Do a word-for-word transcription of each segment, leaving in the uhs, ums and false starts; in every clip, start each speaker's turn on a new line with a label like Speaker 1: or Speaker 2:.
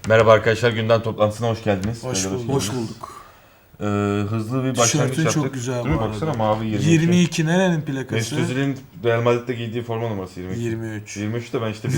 Speaker 1: Merhaba arkadaşlar, gündem toplantısına hoş geldiniz.
Speaker 2: Hoş bulduk.
Speaker 3: Hoş bulduk.
Speaker 1: Ee, hızlı bir başlangıç
Speaker 2: Tişörtün
Speaker 1: yaptık.
Speaker 2: çok güzel
Speaker 1: Değil
Speaker 2: bu
Speaker 1: mi?
Speaker 2: arada.
Speaker 1: Baksana mavi yirmi iki.
Speaker 2: yirmi iki nerenin plakası?
Speaker 1: Mesut Özil'in Real Madrid'de giydiği forma numarası yirmi iki.
Speaker 2: yirmi üç.
Speaker 1: yirmi üç de ben işte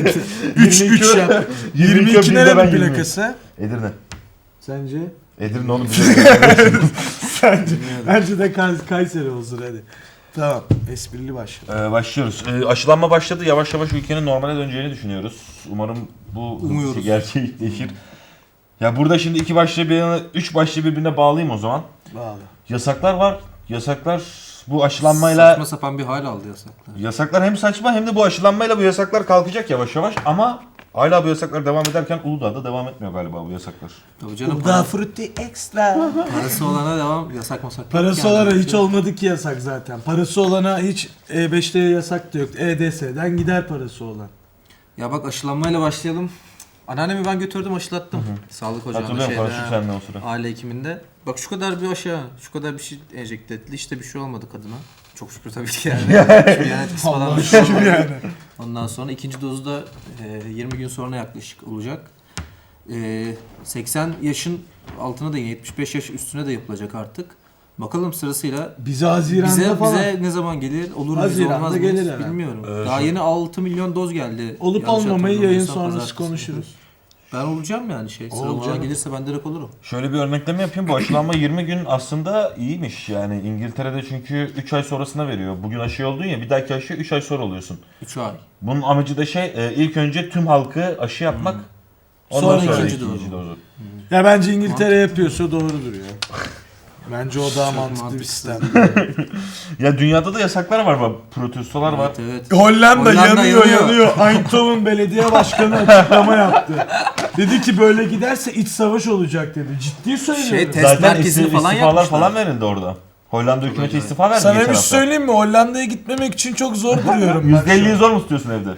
Speaker 2: üç üç ya. yirmi iki nerenin plakası?
Speaker 1: Edirne.
Speaker 2: Sence?
Speaker 1: Edirne oğlum biliyorum.
Speaker 2: Sence? Bence de Kay- Kayseri olsun hadi. Tamam. Esprili başla.
Speaker 1: Ee, başlıyoruz. Ee, aşılanma başladı. Yavaş yavaş ülkenin normale döneceğini düşünüyoruz. Umarım bu
Speaker 3: Umuyoruz.
Speaker 1: gerçekleşir. Ya burada şimdi iki başlığı birbirine, üç başlığı birbirine bağlayayım o zaman.
Speaker 2: Bağlı.
Speaker 1: Yasaklar var. Yasaklar bu aşılanmayla...
Speaker 3: Saçma sapan bir hal aldı yasaklar.
Speaker 1: Yasaklar hem saçma hem de bu aşılanmayla bu yasaklar kalkacak yavaş yavaş ama hala bu yasaklar devam ederken Uludağ'da devam etmiyor galiba bu yasaklar.
Speaker 3: Tabii canım,
Speaker 2: Daha
Speaker 3: para,
Speaker 2: frutti extra.
Speaker 3: parası olana devam, yasak masak yok
Speaker 2: Parası
Speaker 3: yani.
Speaker 2: olana hiç olmadı ki yasak zaten. Parası olana hiç E beşte yasak da yok. E D S'den gider parası olan.
Speaker 3: Ya bak, aşılanmayla başlayalım. Anneannemi ben götürdüm, aşılattım. Sağlık ocağında
Speaker 1: Hatırlıyorum,
Speaker 3: şeyde.
Speaker 1: konuştuk seninle o sıra.
Speaker 3: Aile hekiminde. Bak şu kadar bir aşı, şu kadar bir şey enjekte etti. İşte bir şey olmadı kadına. Çok şükür tabii ki yani. Çünkü yani etkisi falan
Speaker 2: Allah
Speaker 3: bir şey
Speaker 2: şükür
Speaker 3: olmadı.
Speaker 2: yani.
Speaker 3: Ondan sonra ikinci dozu da e, yirmi gün sonra yaklaşık olacak. E, seksen yaşın altına da yetmiş beş yaş üstüne de yapılacak artık. Bakalım sırasıyla
Speaker 2: Bize Haziran'da
Speaker 3: bize
Speaker 2: falan.
Speaker 3: bize ne zaman gelir? Olur mu, bize
Speaker 2: Haziran'da
Speaker 3: olmaz mı?
Speaker 2: gelir herhalde.
Speaker 3: Bilmiyorum.
Speaker 1: Ee,
Speaker 3: Daha
Speaker 1: şu-
Speaker 3: yeni altı milyon doz geldi.
Speaker 2: Olup
Speaker 3: Yanlış
Speaker 2: olmamayı yayın
Speaker 3: hatırlamıyorsam
Speaker 2: sonrası
Speaker 3: pazartesi.
Speaker 2: konuşuruz.
Speaker 3: Ben olacağım yani şey. Sıra
Speaker 2: Olacağım.
Speaker 3: bana gelirse ben direkt olurum.
Speaker 1: Şöyle bir örnekleme yapayım. Bu aşılanma yirmi gün aslında iyiymiş. Yani İngiltere'de çünkü üç ay sonrasına veriyor. Bugün aşı oldun ya, bir dahaki aşı üç ay sonra oluyorsun.
Speaker 3: üç ay.
Speaker 1: Bunun amacı da şey e, ilk önce tüm halkı aşı yapmak. Ondan
Speaker 2: Sonra
Speaker 1: sonra
Speaker 3: ikinci
Speaker 1: ikinci
Speaker 3: dozu.
Speaker 1: dozu.
Speaker 2: Ya bence İngiltere yapıyorsa doğrudur ya. Bence o daha mantıklı bir
Speaker 3: mantıksız.
Speaker 2: sistem.
Speaker 1: Ya dünyada da yasaklar var, bak protestolar var.
Speaker 3: Evet, evet.
Speaker 2: Hollanda,
Speaker 3: Hollanda
Speaker 2: yanıyor
Speaker 3: yanıyor.
Speaker 2: yanıyor. Eindhoven belediye başkanı açıklama yaptı. Dedi ki böyle giderse iç savaş olacak dedi. Ciddi söylüyorum.
Speaker 3: Şey, test
Speaker 1: Zaten
Speaker 3: merkezini
Speaker 1: isti-
Speaker 3: falan
Speaker 1: istifalar
Speaker 3: yapmışlar.
Speaker 1: falan verildi orada. Hollanda hükümeti
Speaker 3: acayip.
Speaker 1: istifa verdi
Speaker 2: Sana
Speaker 1: geçen
Speaker 2: bir şey
Speaker 1: hafta.
Speaker 2: söyleyeyim mi? Hollanda'ya gitmemek için çok zor duruyorum ben.
Speaker 1: yüzde elliyi zor mu tutuyorsun evde?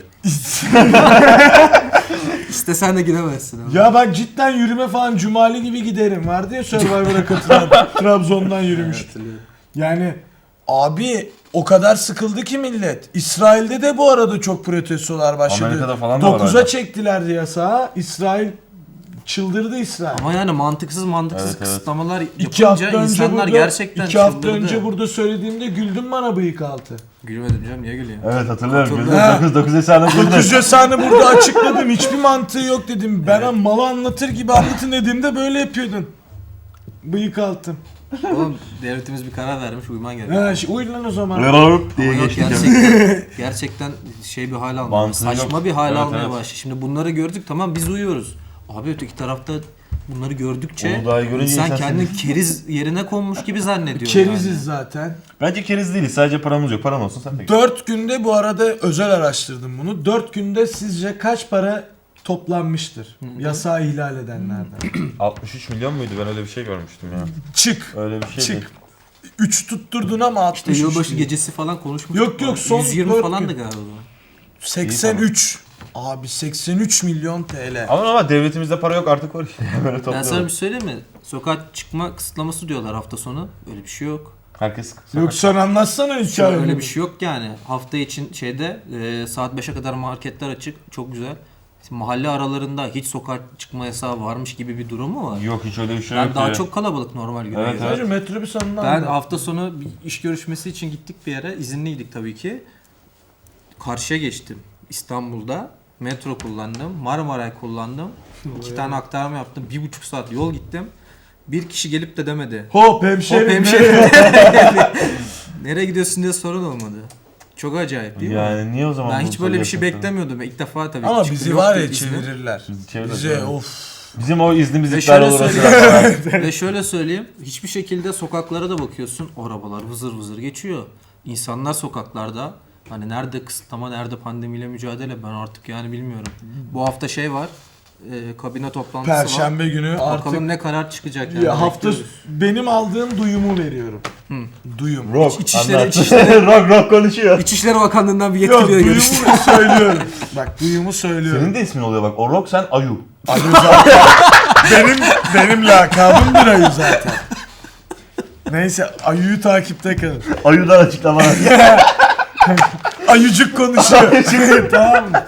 Speaker 3: İstesen de gidemezsin ama.
Speaker 2: Ya bak cidden yürüme falan Cumali gibi giderim. Vardı ya Survivor'a katılan Trabzon'dan yürümüş.
Speaker 3: Hatırlıyorum.
Speaker 2: Yani abi o kadar sıkıldı ki millet. İsrail'de de bu arada çok protestolar başladı.
Speaker 1: Amerika'da falan da var
Speaker 2: dokuza
Speaker 1: hala.
Speaker 2: çektilerdi yasağı. İsrail çıldırdı İsrail.
Speaker 3: Ama yani mantıksız mantıksız
Speaker 1: Evet, evet.
Speaker 3: kısıtlamalar
Speaker 2: İki hafta
Speaker 3: yapınca
Speaker 2: önce
Speaker 3: insanlar
Speaker 2: burada,
Speaker 3: gerçekten
Speaker 2: iki hafta
Speaker 3: çıldırdı.
Speaker 2: önce burada söylediğimde güldün bana bıyık altı.
Speaker 3: Gülmedim canım, niye gülüyorsun?
Speaker 1: Evet hatırlıyorum.
Speaker 3: Hatırlıyorum.
Speaker 1: dokuz dokuz hesabına güldüm.
Speaker 2: dokuz yasağını burada açıkladım. Hiçbir mantığı yok dedim. Ben evet. malı anlatır gibi anlatın dediğimde böyle yapıyordun. Bıyık altım.
Speaker 3: Oğlum devletimiz bir karar vermiş, uyman gerekiyor.
Speaker 2: Ha, şey, uyu lan o zaman.
Speaker 1: Rırırıp diye
Speaker 3: Ama yok,
Speaker 1: geçtik.
Speaker 3: gerçekten, gerçekten şey bir hal almaya,
Speaker 1: Mantığı
Speaker 3: saçma
Speaker 1: yok.
Speaker 3: bir hal
Speaker 1: Evet,
Speaker 3: almaya
Speaker 1: evet.
Speaker 3: başladı. Şimdi bunları gördük, tamam biz uyuyoruz. Abi öteki tarafta bunları gördükçe
Speaker 1: Uludağ'ı görünce
Speaker 3: insan
Speaker 1: insan
Speaker 3: kendini keriz yerine konmuş gibi zannediyor.
Speaker 2: Keriziz
Speaker 3: yani.
Speaker 2: zaten.
Speaker 1: Bence keriz değiliz. Sadece paramız yok. Paran olsun sen de git.
Speaker 2: Dört günde bu arada özel araştırdım bunu. Dört günde sizce kaç para toplanmıştır yasağı ihlal edenlerden?
Speaker 1: altmış üç milyon muydu? Ben öyle bir şey görmüştüm ya.
Speaker 2: Çık.
Speaker 1: Öyle bir şey değil.
Speaker 2: Çık. üç tutturdun ama altmış üç.
Speaker 3: İşte yılbaşı
Speaker 2: değil.
Speaker 3: gecesi falan konuşmuştuk.
Speaker 2: Yok, yok, son
Speaker 3: yüz yirmi
Speaker 2: dört
Speaker 3: falandı
Speaker 2: gün.
Speaker 3: galiba.
Speaker 2: seksen üç. Abi seksen üç milyon T L.
Speaker 1: Ama ama devletimizde para yok artık var işte. Böyle
Speaker 3: Ben sana bir
Speaker 1: topluyorlar.
Speaker 3: şey söyleyeyim mi? Sokağa çıkma kısıtlaması diyorlar hafta sonu. Öyle bir şey yok.
Speaker 1: Herkes
Speaker 2: Yok sen anlatsana
Speaker 3: Şu an
Speaker 2: hikayeyi.
Speaker 3: öyle bir şey yok yani. Hafta için şeyde e, saat beşe kadar marketler açık. Çok güzel. Mahalle aralarında hiç sokağa çıkma yasağı varmış gibi bir durum mu var?
Speaker 1: Yok, hiç öyle bir şey
Speaker 3: Yani
Speaker 1: yok.
Speaker 3: daha
Speaker 1: ya.
Speaker 3: çok kalabalık normal güne
Speaker 1: Evet,
Speaker 3: göre.
Speaker 1: evet.
Speaker 2: Sadece metrobüs anından
Speaker 3: Ben
Speaker 2: da.
Speaker 3: hafta sonu bir iş görüşmesi için gittik bir yere. İzinliydik tabii ki. Karşıya geçtim. İstanbul'da metro kullandım. Marmaray kullandım. İki tane aktarma yaptım. Bir buçuk saat yol gittim. Bir kişi gelip de demedi.
Speaker 2: Hop hemşerim.
Speaker 3: Hop
Speaker 2: ne?
Speaker 3: hemşerim. Nereye gidiyorsun diye sorun olmadı. Çok acayip değil mi?
Speaker 1: Yani niye o zaman
Speaker 3: Ben
Speaker 1: bunu
Speaker 3: hiç böyle bir şey
Speaker 1: söylüyorsun?
Speaker 3: beklemiyordum. İlk defa tabii.
Speaker 2: Ama
Speaker 3: çıktı,
Speaker 2: bizi
Speaker 3: yoktu
Speaker 2: var ya
Speaker 3: izni.
Speaker 2: çevirirler.
Speaker 1: Bizi çevirirler,
Speaker 2: Bize
Speaker 1: evet.
Speaker 2: of.
Speaker 1: Bizim o iznimiz
Speaker 3: Ve
Speaker 1: iptal
Speaker 3: şöyle
Speaker 1: olur o
Speaker 3: söyleyeyim.
Speaker 1: sırada.
Speaker 3: Ve şöyle söyleyeyim. Hiçbir şekilde sokaklara da bakıyorsun. Arabalar vızır vızır geçiyor. İnsanlar sokaklarda. Hani nerede kısıtlama, nerede pandemiyle mücadele ben artık yani bilmiyorum. Bu hafta şey var. E, kabine toplantısı var.
Speaker 2: Perşembe günü artık
Speaker 3: Bakalım ne karar çıkacak yani.
Speaker 2: ya hafta
Speaker 3: bekliyoruz.
Speaker 2: benim aldığım duyumu veriyorum. Duyum.
Speaker 1: Rock.
Speaker 3: İçişleri-
Speaker 1: anlat.
Speaker 3: İçişleri-
Speaker 1: rock rock konuşuyor.
Speaker 3: İçişleri Bakanlığı'ndan bir
Speaker 2: Yok
Speaker 3: yetkiliye
Speaker 2: duyumu
Speaker 3: görüştüm.
Speaker 2: söylüyorum. Bak duyumu söylüyorum.
Speaker 1: Senin de ismin oluyor bak. O rock, sen Ayu.
Speaker 2: Ayu zaten. benim benim lakabım bir Ayu zaten. Neyse Ayu'yu takipte kalın.
Speaker 1: Ayu'dan açıklamalar.
Speaker 2: Ayucuk konuşuyor. tamam mı?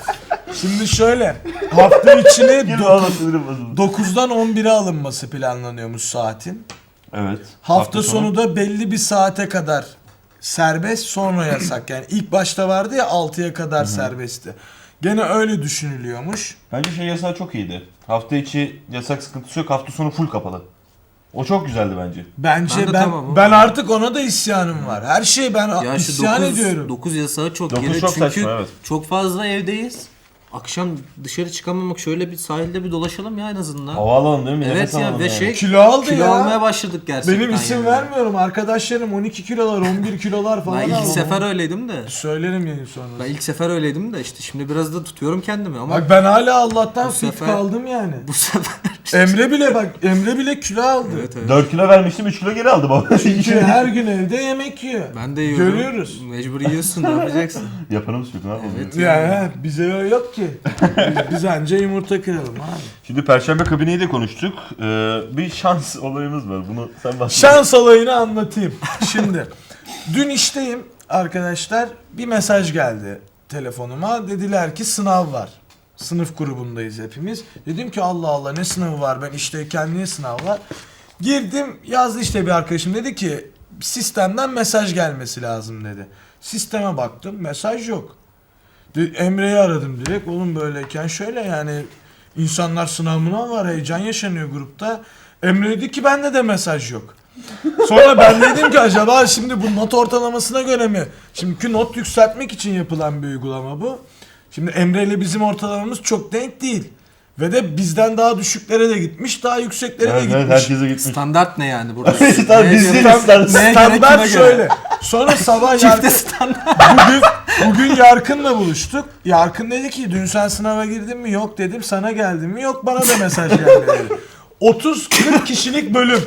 Speaker 2: Şimdi şöyle hafta içine
Speaker 1: Gir
Speaker 2: dokuz-
Speaker 1: valla sinirim bozuldu.
Speaker 2: dokuzdan on bire alınması planlanıyormuş saatin.
Speaker 1: Evet.
Speaker 2: Hafta, sonu da belli bir saate kadar serbest, sonra yasak. Yani ilk başta vardı ya altıya kadar serbestti. Gene öyle düşünülüyormuş.
Speaker 1: Bence şey yasağı çok iyiydi. Hafta içi yasak sıkıntısı yok. Hafta sonu full kapalı. O çok güzeldi bence.
Speaker 2: Bence
Speaker 3: Ben de
Speaker 2: ben
Speaker 3: tamam,
Speaker 2: ben
Speaker 3: o-
Speaker 2: artık ona da isyanım var. Her şey ben
Speaker 3: Ya şu
Speaker 2: isyan
Speaker 3: dokuz
Speaker 2: ediyorum.
Speaker 3: dokuz yasağı çok
Speaker 1: Dokuz
Speaker 3: geri
Speaker 1: çok
Speaker 3: çünkü
Speaker 1: saçma, evet.
Speaker 3: çok fazla evdeyiz. Akşam dışarı çıkamamak, şöyle bir sahilde bir dolaşalım ya en azından.
Speaker 1: Hava alalım değil mi?
Speaker 3: Evet
Speaker 1: Nefes
Speaker 3: ya
Speaker 1: alalım
Speaker 3: ve
Speaker 1: yani.
Speaker 3: şey
Speaker 2: Kilo aldı
Speaker 3: kilo
Speaker 2: ya.
Speaker 3: almaya başladık gerçekten.
Speaker 2: Benim isim
Speaker 3: yani.
Speaker 2: vermiyorum. Arkadaşlarım on iki kilolar, on bir kilolar falan
Speaker 3: Ben ilk
Speaker 2: aldı.
Speaker 3: sefer öyleydim de.
Speaker 2: Söylerim yayın sonra.
Speaker 3: Ben ilk sefer öyleydim de işte şimdi biraz da tutuyorum kendimi ama
Speaker 2: Bak ben hala Allah'tan
Speaker 3: Bu
Speaker 2: fit
Speaker 3: sefer-
Speaker 2: kaldım yani.
Speaker 3: bu sefer
Speaker 2: Emre bile bak Emre bile kilo aldı.
Speaker 3: evet, evet.
Speaker 1: dört kilo vermiştim, üç kilo geri aldım baba.
Speaker 2: Çünkü her gün evde yemek yiyor.
Speaker 3: Ben de yiyorum.
Speaker 2: Görüyoruz.
Speaker 3: Mecbur yiyorsun, ne yapacaksın?
Speaker 1: Yapanımız yok, ne yapalım?
Speaker 3: Evet.
Speaker 2: Yani he, bize öyle yok ki. Biz, biz anca yumurta kıralım abi.
Speaker 1: Şimdi Perşembe kabineyi de konuştuk. Ee, bir şans olayımız var. Bunu sen bahset.
Speaker 2: Şans olayını anlatayım. Şimdi dün işteyim arkadaşlar, bir mesaj geldi telefonuma. Dediler ki sınav var. Sınıf grubundayız hepimiz. Dedim ki Allah Allah ne sınavı var, ben işteyken niye sınav var? Girdim, yazdı işte bir arkadaşım, dedi ki sistemden mesaj gelmesi lazım dedi. Sisteme baktım, mesaj yok. De- Emre'yi aradım direkt, oğlum böyleyken şöyle yani insanlar sınavına var, heyecan yaşanıyor grupta. Emre dedi ki bende de mesaj yok. Sonra ben dedim ki acaba şimdi bu not ortalamasına göre mi? Şimdiki not yükseltmek için yapılan bir uygulama bu. Şimdi Emre ile bizim ortalamamız çok denk değil. Ve de bizden daha düşüklere de gitmiş, daha yükseklere de
Speaker 1: Evet,
Speaker 2: gitmiş.
Speaker 1: evet, herkese gitmiş.
Speaker 3: Standart ne yani burada?
Speaker 1: Standart,
Speaker 3: Neye
Speaker 1: biz
Speaker 3: göre-
Speaker 1: de standart.
Speaker 3: neye göre,
Speaker 2: Standart
Speaker 3: kime göre?
Speaker 2: şöyle. Sonra sabah
Speaker 3: Çifte
Speaker 2: Yarkın,
Speaker 3: standart.
Speaker 2: bugün, bugün Yarkın'la buluştuk. Yarkın dedi ki dün sen sınava girdin mi? Yok dedim. Sana geldin mi? Yok, bana da mesaj geldi dedi. otuz kırk kişilik bölüm.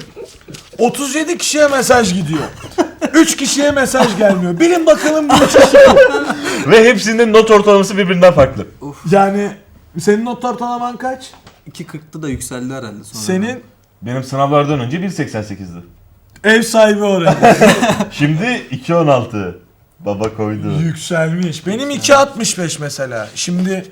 Speaker 2: otuz yedi kişiye mesaj gidiyor. üç kişiye mesaj gelmiyor. Bilin bakalım bu üç kişi.
Speaker 1: Ve hepsinin not ortalaması birbirinden farklı.
Speaker 2: Yani senin not ortalaman kaç?
Speaker 3: iki kırkta da yükseldi herhalde sonra.
Speaker 2: Senin
Speaker 1: Benim sınavlardan önce bir seksen sekizdi.
Speaker 2: ev sahibi oraya.
Speaker 1: Şimdi iki on altı. Baba koydu.
Speaker 2: Yükselmiş. Benim iki altmış beş mesela. Şimdi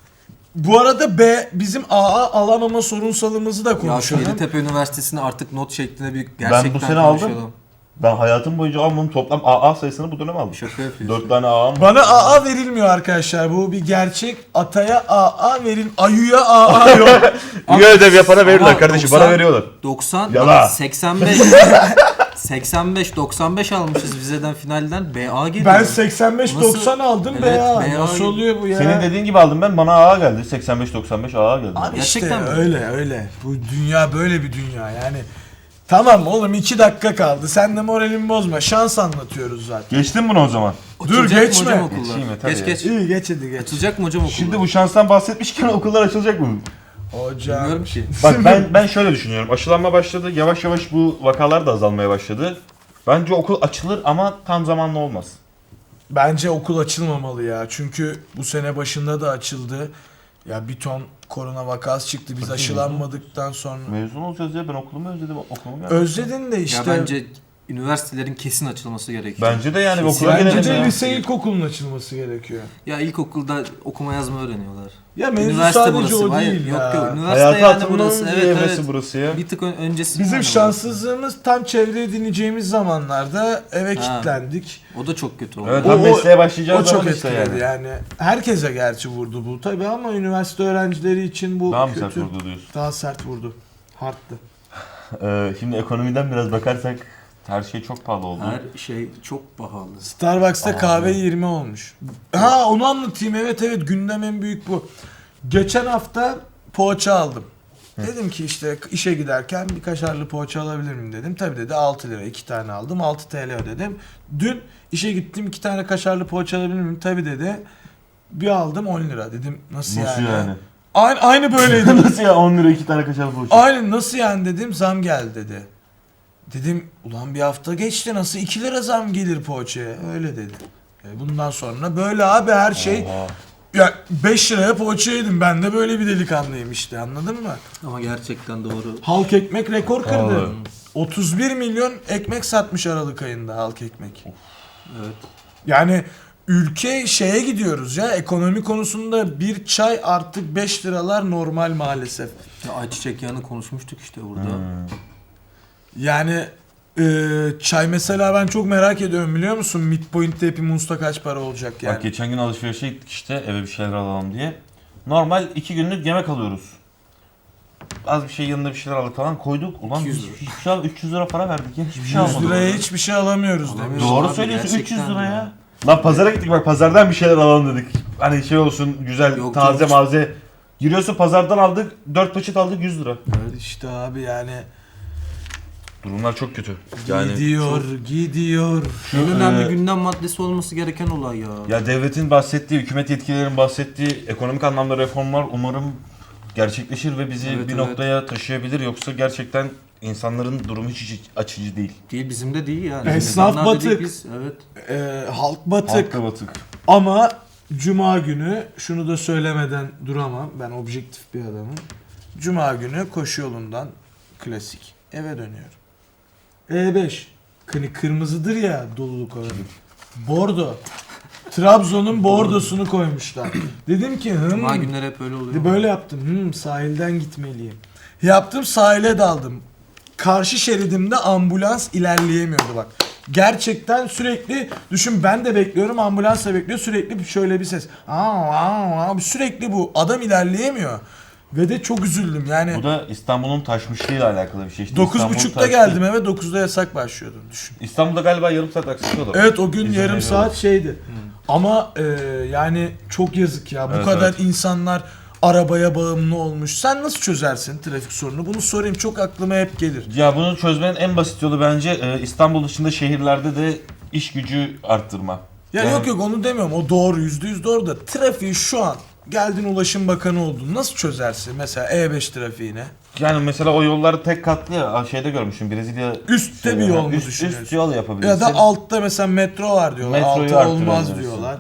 Speaker 2: bu arada B bizim A A alamama sorunsalımızı da
Speaker 3: Ya şu
Speaker 2: konuşalım.
Speaker 3: Yeditepe Üniversitesi'ni artık not şeklinde bir gerçekten
Speaker 1: bu sene aldım.
Speaker 3: konuşalım.
Speaker 1: Ben hayatım boyunca almadığım toplam A A sayısını bu dönem aldım.
Speaker 3: Şaka yapıyorsun.
Speaker 1: dört tane A A'm var.
Speaker 2: Bana A A verilmiyor arkadaşlar. Bu bir gerçek. Ataya A A verin. Ayu'ya A A yok.
Speaker 1: İyi ödev yapana verirler
Speaker 3: Ama
Speaker 1: kardeşim.
Speaker 3: doksan
Speaker 1: Bana veriyorlar.
Speaker 3: doksan,
Speaker 1: Yala.
Speaker 3: seksen beş seksen beş doksan beş almışız vizeden finalden B A geliyor.
Speaker 2: Ben seksen beş doksan aldım
Speaker 3: Evet,
Speaker 2: B A.
Speaker 3: B A.
Speaker 2: Nasıl oluyor bu ya?
Speaker 1: Senin dediğin gibi aldım ben. Bana A A geldi. seksen beş doksan beş A A geldi.
Speaker 2: Abi işte
Speaker 3: Gerçekten mi?
Speaker 2: öyle öyle. Bu dünya böyle bir dünya yani. Tamam oğlum iki dakika kaldı. Sen de moralimi bozma. Şans anlatıyoruz zaten.
Speaker 1: Geçtin bunu o zaman.
Speaker 3: Açılacak
Speaker 2: Dur,
Speaker 3: mı
Speaker 2: geçme.
Speaker 3: hocam okullar?
Speaker 1: Geçeyim yeter
Speaker 3: Geç
Speaker 1: ya.
Speaker 3: geç.
Speaker 2: İyi geç hadi geç.
Speaker 3: Açılacak mı hocam okullar?
Speaker 1: Şimdi bu şanstan bahsetmişken okullar açılacak mı?
Speaker 2: Hocam.
Speaker 3: Bilmiyorum ki.
Speaker 1: Bak ben ben şöyle düşünüyorum. Aşılanma başladı. Yavaş yavaş bu vakalar da azalmaya başladı. Bence okul açılır ama tam zamanlı olmaz.
Speaker 2: Bence okul açılmamalı ya. Çünkü bu sene başında da açıldı. Ya bir ton korona vakası çıktı. Biz aşılanmadıktan sonra.
Speaker 1: Mezun olacağız ya. Ben okulumu özledim. Okulumu geldi.
Speaker 2: Özledin de işte.
Speaker 3: Ya bence üniversitelerin kesin açılması gerekiyor.
Speaker 1: Bence de yani
Speaker 3: Kesin.
Speaker 1: okula
Speaker 2: Bence
Speaker 1: gelelim
Speaker 2: de
Speaker 1: ya.
Speaker 2: lise ilkokulun açılması gerekiyor.
Speaker 3: Ya ilkokulda okuma yazma öğreniyorlar.
Speaker 2: Ya mevzu
Speaker 3: Üniversite
Speaker 2: sadece
Speaker 3: burası.
Speaker 2: o
Speaker 3: Hayır,
Speaker 2: değil
Speaker 3: yok
Speaker 2: ya.
Speaker 3: yok. Üniversite
Speaker 1: Hayata
Speaker 3: yani
Speaker 1: atılmanın
Speaker 3: burası. Evet
Speaker 1: evresi
Speaker 3: evet.
Speaker 1: burası ya.
Speaker 3: Bir tık ön- öncesi.
Speaker 2: Bizim
Speaker 3: yani
Speaker 2: şanssızlığımız tam çevre edineceğimiz zamanlarda eve
Speaker 3: Ha.
Speaker 2: kilitlendik.
Speaker 3: burası. O da çok kötü oldu.
Speaker 1: Evet,
Speaker 2: O-
Speaker 1: tam
Speaker 2: o-
Speaker 1: mesleğe
Speaker 2: O
Speaker 1: başlayacağız
Speaker 2: çok
Speaker 1: zaman işte
Speaker 2: etkiledi
Speaker 1: yani.
Speaker 2: yani. Herkese gerçi vurdu bu tabii ama üniversite öğrencileri için bu
Speaker 1: Daha mı
Speaker 2: kötü.
Speaker 1: sert vurdu diyorsun?
Speaker 2: Daha sert vurdu. Hardtı.
Speaker 1: Ee, şimdi ekonomiden biraz bakarsak her şey çok pahalı oldu.
Speaker 3: Her şey çok pahalı.
Speaker 2: Starbucks'ta
Speaker 1: Aa,
Speaker 2: kahve
Speaker 1: evet.
Speaker 2: yirmi olmuş. Ha onu anlatayım. Evet evet gündem en büyük bu. Geçen hafta poğaça aldım. Dedim ki işte işe giderken bir kaşarlı poğaça alabilir miyim dedim. Tabii dedi altı lira iki tane aldım altı T L ödedim. Dün işe gittim iki tane kaşarlı poğaça alabilir miyim? Tabii dedi. Bir aldım on lira dedim. Nasıl,
Speaker 1: Nasıl
Speaker 2: yani?
Speaker 1: yani?
Speaker 2: Aynı, aynı böyleydi.
Speaker 1: Nasıl ya on lira iki tane kaşar poğaça?
Speaker 2: Aynen nasıl yani dedim zam geldi dedi. Dedim ulan bir hafta geçti nasıl iki lira zam gelir poğaçaya öyle dedi. E bundan sonra böyle abi her şey
Speaker 1: Oha.
Speaker 2: ya beş liraya poğaça yedim ben de böyle bir delikanlıyım işte anladın mı?
Speaker 3: Ama gerçekten doğru.
Speaker 2: Halk ekmek rekor kırdı.
Speaker 1: Vallahi.
Speaker 2: otuz bir milyon ekmek satmış Aralık ayında halk ekmek.
Speaker 3: Evet.
Speaker 2: Yani ülke şeye gidiyoruz ya, ekonomi konusunda bir çay artık beş liralar normal maalesef.
Speaker 3: Ya ayçiçek yağını konuşmuştuk işte burada.
Speaker 1: Hmm.
Speaker 2: Yani e, çay mesela ben çok merak ediyorum biliyor musun? Midpoint'te Happy Moons'ta kaç para olacak yani?
Speaker 1: Bak geçen gün alışverişe gittik işte eve bir şeyler alalım diye. Normal iki günlük yemek alıyoruz. Az bir şey yanında bir şeyler aldık falan koyduk. Ulan
Speaker 3: iki yüz
Speaker 1: biz
Speaker 3: lira.
Speaker 1: hiçbir şey al- üç yüz lira para verdik ya hiçbir şey
Speaker 2: yüz
Speaker 1: almadık.
Speaker 2: liraya hiçbir şey alamıyoruz demiş.
Speaker 3: Alamıyoruz.
Speaker 1: Doğru
Speaker 3: Abi,
Speaker 1: söylüyorsun üç yüz
Speaker 3: gerçekten
Speaker 1: lira
Speaker 3: ya.
Speaker 1: ya. Lan pazara gittik bak pazardan bir şeyler alalım dedik. Hani şey olsun güzel
Speaker 3: Yok,
Speaker 1: taze
Speaker 3: yok.
Speaker 1: malzeme. Giriyorsun pazardan aldık dört paket aldık yüz lira.
Speaker 2: Evet işte abi yani
Speaker 1: Durumlar çok kötü. Yani
Speaker 2: gidiyor gidiyor.
Speaker 1: şu,
Speaker 3: En önemli
Speaker 1: e,
Speaker 3: gündem maddesi olması gereken olay ya.
Speaker 1: ya devletin bahsettiği, hükümet yetkililerin bahsettiği ekonomik anlamda reformlar umarım gerçekleşir ve bizi
Speaker 3: Evet,
Speaker 1: bir
Speaker 3: evet.
Speaker 1: noktaya taşıyabilir. Yoksa gerçekten insanların durumu hiç iç açıcı değil.
Speaker 3: Değil bizim de değil yani.
Speaker 2: Esnaf
Speaker 3: İnsanlar dedik
Speaker 2: batık.
Speaker 3: Biz, evet.
Speaker 2: E, halk batık.
Speaker 1: Halkta batık.
Speaker 2: Ama Cuma günü şunu da söylemeden duramam. Ben objektif bir adamım. Cuma günü koşu yolundan klasik eve dönüyorum. E beş. Hani kırmızıdır ya doluluk oranı. Bordo. Trabzon'un bordosunu koymuşlar. Dedim ki hım.
Speaker 3: Cuma günleri hep öyle oluyor.
Speaker 2: Böyle yaptım. Hmm, sahilden gitmeliyim. Yaptım sahile daldım. Karşı şeridimde ambulans ilerleyemiyordu bak. Gerçekten sürekli düşün ben de bekliyorum ambulans da bekliyor sürekli şöyle bir ses. Aa, aa, aa, sürekli bu adam ilerleyemiyor. Ve de çok üzüldüm yani.
Speaker 1: Bu da İstanbul'un taşmışlığıyla alakalı bir şey. İşte
Speaker 2: dokuz
Speaker 1: İstanbul
Speaker 2: buçukta
Speaker 1: taştı.
Speaker 2: geldim eve dokuzda yasak başlıyordu düşün.
Speaker 1: İstanbul'da galiba yarım saat aksatıyorlar.
Speaker 2: Evet o gün
Speaker 1: İzin
Speaker 2: yarım
Speaker 1: veriyorlar.
Speaker 2: saat şeydi. Ama e, yani çok yazık ya. Bu
Speaker 1: Evet,
Speaker 2: kadar
Speaker 1: evet.
Speaker 2: insanlar arabaya bağımlı olmuş. Sen nasıl çözersin trafik sorunu? Bunu sorayım çok aklıma hep gelir.
Speaker 1: Ya bunu çözmenin en basit yolu bence e, İstanbul dışında şehirlerde de iş gücü arttırma.
Speaker 2: Ya
Speaker 1: Yani-
Speaker 2: yok yok onu demiyorum. O doğru yüzde yüz doğru da trafiği şu an geldin Ulaşım Bakanı oldun. Nasıl çözersin mesela E beş trafiğine?
Speaker 1: Yani mesela o yolları tek katlı ya şeyde görmüşüm Brezilya.
Speaker 2: Üstte
Speaker 1: şey
Speaker 2: bir
Speaker 1: var.
Speaker 2: yol mu
Speaker 1: üst,
Speaker 2: düşünüyorsun?
Speaker 1: üst yol yapabilirsin.
Speaker 2: Ya da altta mesela metro var diyorlar.
Speaker 1: Metroyu
Speaker 2: Altta olmaz
Speaker 1: arttırabilirsin.
Speaker 2: diyorlar.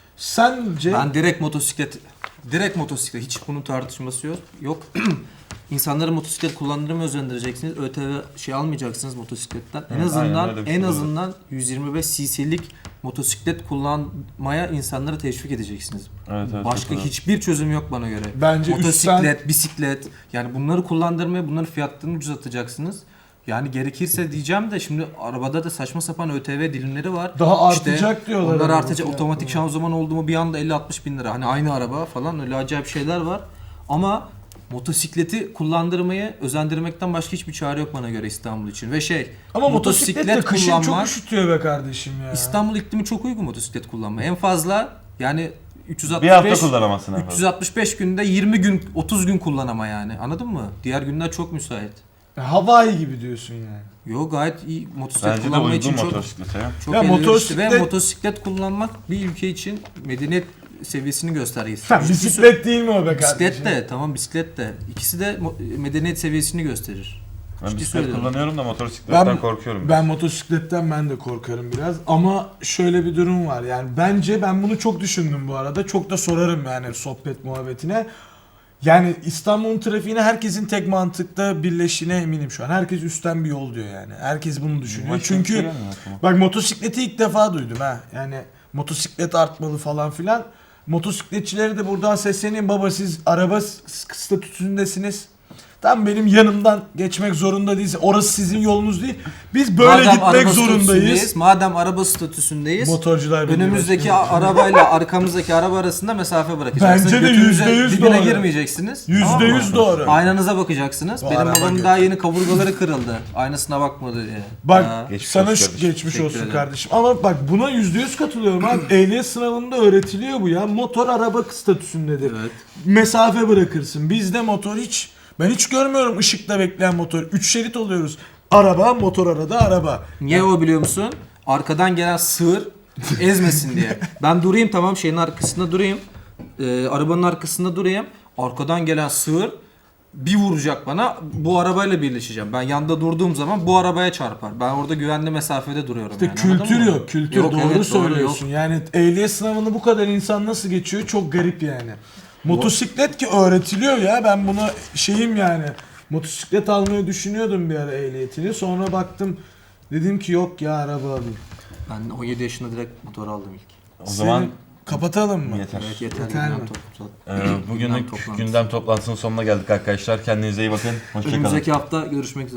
Speaker 2: Sence
Speaker 3: Ben direkt motosiklet, direkt motosiklet hiç bunun tartışması yok. Yok. İnsanları motosiklet kullandırmaya özendireceksiniz. ÖTV şey almayacaksınız motosikletten. En
Speaker 1: Evet,
Speaker 3: azından
Speaker 1: aynen öyle bir şey
Speaker 3: en
Speaker 1: olur.
Speaker 3: azından yüz yirmi beş cc'lik motosiklet kullanmaya insanları teşvik edeceksiniz.
Speaker 1: Evet, evet,
Speaker 3: Başka
Speaker 1: çok
Speaker 3: hiçbir çözüm yok bana göre.
Speaker 2: Bence
Speaker 3: motosiklet, bisiklet yani bunları kullandırmaya bunların fiyatlarını ucuzlatacaksınız. Yani gerekirse diyeceğim de şimdi arabada da saçma sapan ÖTV dilimleri var.
Speaker 2: Daha
Speaker 3: İşte
Speaker 2: artacak diyorlar
Speaker 3: Onlar
Speaker 2: ama
Speaker 3: artacak.
Speaker 2: fiyatlar.
Speaker 3: Otomatik şanzıman oldu mu bir anda elli altmış bin lira. Hani aynı araba falan öyle acayip şeyler var. Ama motosikleti kullandırmayı özendirmekten başka hiçbir çare yok bana göre İstanbul için. Ve şey
Speaker 2: ama motosiklet de kışın çok
Speaker 3: kullanmak-
Speaker 2: üşütüyor be kardeşim ya.
Speaker 3: İstanbul iklimi çok uygun motosiklet kullanmaya. En fazla yani üç yüz altmış
Speaker 1: Bir hafta
Speaker 3: beş
Speaker 1: kullanamazsın efendim.
Speaker 3: üç yüz altmış beş günde yirmi gün otuz gün kullanama yani. Anladın mı? Diğer günler çok müsait.
Speaker 2: Hawaii gibi diyorsun yani.
Speaker 3: Yo gayet iyi motosiklet
Speaker 1: Bence de
Speaker 3: kullanma için
Speaker 1: uygun
Speaker 3: çok
Speaker 1: motosiklete ya.
Speaker 3: çok
Speaker 2: Ya
Speaker 3: elverişli ve
Speaker 2: motosiklet-
Speaker 3: motosiklet kullanmak bir ülke için medeniyet seviyesini göstergesi.
Speaker 2: Sen
Speaker 3: Çünkü
Speaker 2: bisiklet değil mi o be kardeşim?
Speaker 3: bisiklet de tamam bisiklet de ikisi de mo- medeniyet seviyesini gösterir.
Speaker 1: Ben
Speaker 3: Ciddi
Speaker 1: bisiklet
Speaker 3: söylüyorum.
Speaker 1: kullanıyorum da motosikletten
Speaker 2: Ben,
Speaker 1: korkuyorum.
Speaker 2: ben motosikletten ben de korkarım biraz ama şöyle bir durum var yani bence ben bunu çok düşündüm bu arada çok da sorarım yani sohbet muhabbetine. Yani İstanbul'un trafiğine herkesin tek mantıkta birleştiğine eminim şu an. Herkes üstten bir yol diyor yani. Herkes bunu düşünüyor.
Speaker 1: Başka bir şey
Speaker 2: Çünkü
Speaker 1: gelmiyor aklıma.
Speaker 2: bak motosikleti ilk defa duydum ha. Yani motosiklet artmalı falan filan. Motosikletçilere de buradan sesleneyim baba siz araba s- statüsündesiniz. Tam benim yanımdan geçmek zorunda değilsiniz. Orası sizin yolunuz değil. Biz böyle
Speaker 3: Madem
Speaker 2: gitmek
Speaker 3: araba
Speaker 2: zorundayız.
Speaker 3: statüsündeyiz, madem araba statüsündeyiz,
Speaker 2: Motorcular Birliği
Speaker 3: önümüzdeki
Speaker 2: Başkanı.
Speaker 3: arabayla arkamızdaki araba arasında mesafe bırakacaksınız.
Speaker 2: Bence de
Speaker 3: Götünüze
Speaker 2: yüzde yüz
Speaker 3: dibine
Speaker 2: doğru.
Speaker 3: girmeyeceksiniz.
Speaker 2: Yüzde
Speaker 3: Tamam mı?
Speaker 2: yüz doğru.
Speaker 3: Aynanıza bakacaksınız.
Speaker 2: Bu
Speaker 3: Benim
Speaker 2: araba
Speaker 3: babamın
Speaker 2: götü.
Speaker 3: daha yeni kaburgaları kırıldı. Aynasına bakmadı diye.
Speaker 2: Bak
Speaker 3: Ha.
Speaker 1: Geçmiş
Speaker 2: sana
Speaker 1: olsun
Speaker 2: şu-
Speaker 1: kardeşim.
Speaker 2: geçmiş
Speaker 3: Teşekkür
Speaker 2: olsun
Speaker 3: ederim.
Speaker 2: kardeşim. Ama bak buna yüzde yüz katılıyorum abi. Ehliyet sınavında öğretiliyor bu ya. Motor araba statüsündedir.
Speaker 3: Evet.
Speaker 2: Mesafe bırakırsın. Bizde motor hiç ben hiç görmüyorum ışıkta bekleyen motor. Üç şerit oluyoruz. Araba, motor arada araba.
Speaker 3: Niye o biliyor musun? Arkadan gelen sığır ezmesin diye. Ben durayım tamam şeyin arkasında durayım. Ee, arabanın arkasında durayım. Arkadan gelen sığır bir vuracak bana. Bu arabayla birleşeceğim. Ben yanda durduğum zaman bu arabaya çarpar. Ben orada güvenli mesafede duruyorum
Speaker 2: İşte
Speaker 3: yani. anladın
Speaker 2: kültür
Speaker 3: mı?
Speaker 2: yok. Kültür
Speaker 3: Yok,
Speaker 2: doğru
Speaker 3: evet, doğru,
Speaker 2: söylüyorsun.
Speaker 3: yok.
Speaker 2: Yani ehliyet sınavını bu kadar insan nasıl geçiyor? Çok garip yani. Motosiklet ki öğretiliyor ya. Ben buna şeyim yani. Motosiklet almayı düşünüyordum bir ara ehliyetini. Sonra baktım dedim ki yok ya araba alayım.
Speaker 3: Ben on yedi yaşında direkt motor aldım ilk.
Speaker 1: O zaman
Speaker 2: Senin- kapatalım mı?
Speaker 1: yeter.
Speaker 3: Evet yeter.
Speaker 2: Yeter
Speaker 3: gündem
Speaker 2: mi?
Speaker 3: toplantı.
Speaker 1: Ee, bugünlük
Speaker 3: Gündem toplantısı.
Speaker 1: gündem toplantısının sonuna geldik arkadaşlar. Kendinize iyi bakın. Hoşçakalın.
Speaker 3: Önümüzdeki hafta görüşmek üzere.